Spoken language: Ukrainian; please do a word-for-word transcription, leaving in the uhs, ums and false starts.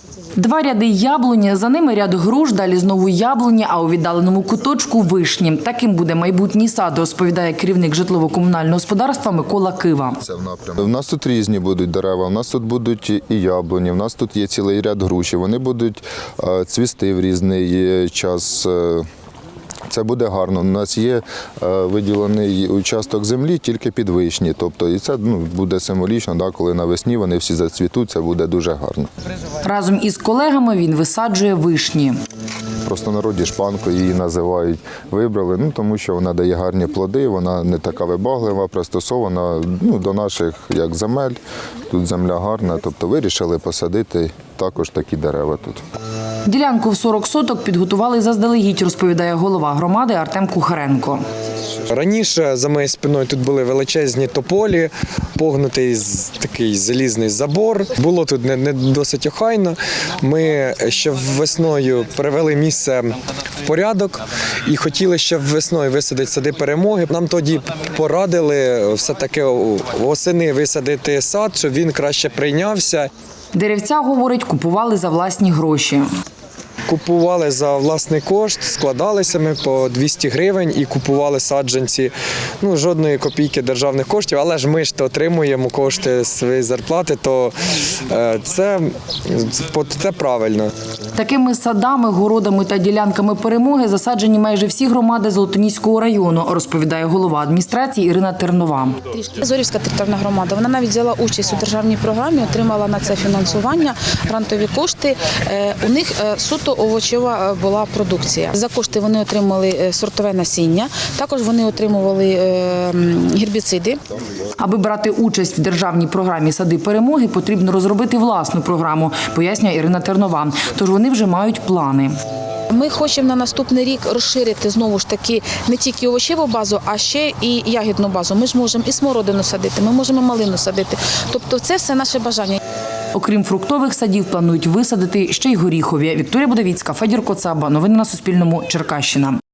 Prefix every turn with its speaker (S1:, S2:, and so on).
S1: Два ряди яблуні, за ними ряд груш, далі знову яблуні, а у віддаленому куточку – вишні. Таким буде майбутній сад, розповідає керівник житлово-комунального господарства Микола Кива.
S2: У нас тут різні будуть дерева, у нас тут будуть і яблуні, у нас тут є цілий ряд груші. Вони будуть цвісти в різний час. Це буде гарно. У нас є виділений участок землі тільки під вишні. Тобто, і це ну, буде символічно, да, коли навесні вони всі зацвітуть, це буде дуже гарно.
S1: Разом із колегами він висаджує вишні.
S2: Просто в народі шпанкою її називають. Вибрали, ну, тому що вона дає гарні плоди, вона не така вибаглива, пристосована ну, до наших як земель. Тут земля гарна, тобто вирішили посадити також такі дерева тут.
S1: Ділянку в сорок соток підготували заздалегідь, розповідає голова громади Артем Кухаренко.
S3: Раніше за моєю спиною тут були величезні тополі, погнутий такий залізний забор. Було тут не, не досить охайно. Ми ще весною привели місце в порядок і хотіли ще весною висадити сади перемоги. Нам тоді порадили все-таки восени висадити сад, щоб він краще прийнявся.
S1: Деревця, говорить, купували за власні гроші.
S3: Купували за власний кошт, складалися ми по двісті гривень і купували саджанці. Ну, жодної копійки державних коштів, але ж ми ж то отримуємо кошти своєї зарплати, то це, це правильно.
S1: Такими садами, городами та ділянками перемоги засаджені майже всі громади Золотоніського району, розповідає голова адміністрації Ірина Тернова.
S4: Зорівська територіальна громада, вона навіть взяла участь у державній програмі, отримала на це фінансування, грантові кошти. У них суто овочева була продукція. За кошти вони отримали сортове насіння, також вони отримували гербіциди.
S1: Аби брати участь в державній програмі «Сади перемоги», потрібно розробити власну програму, пояснює Ірина Тернова. Тож вони вже мають плани.
S4: Ми хочемо на наступний рік розширити знову ж таки не тільки овочеву базу, а ще і ягідну базу. Ми ж можемо і смородину садити, ми можемо малину садити. Тобто це все наше бажання.
S1: Окрім фруктових садів, планують висадити ще й горіхові. Вікторія Будовіцька, Федір Коцаба. Новини на Суспільному. Черкащина.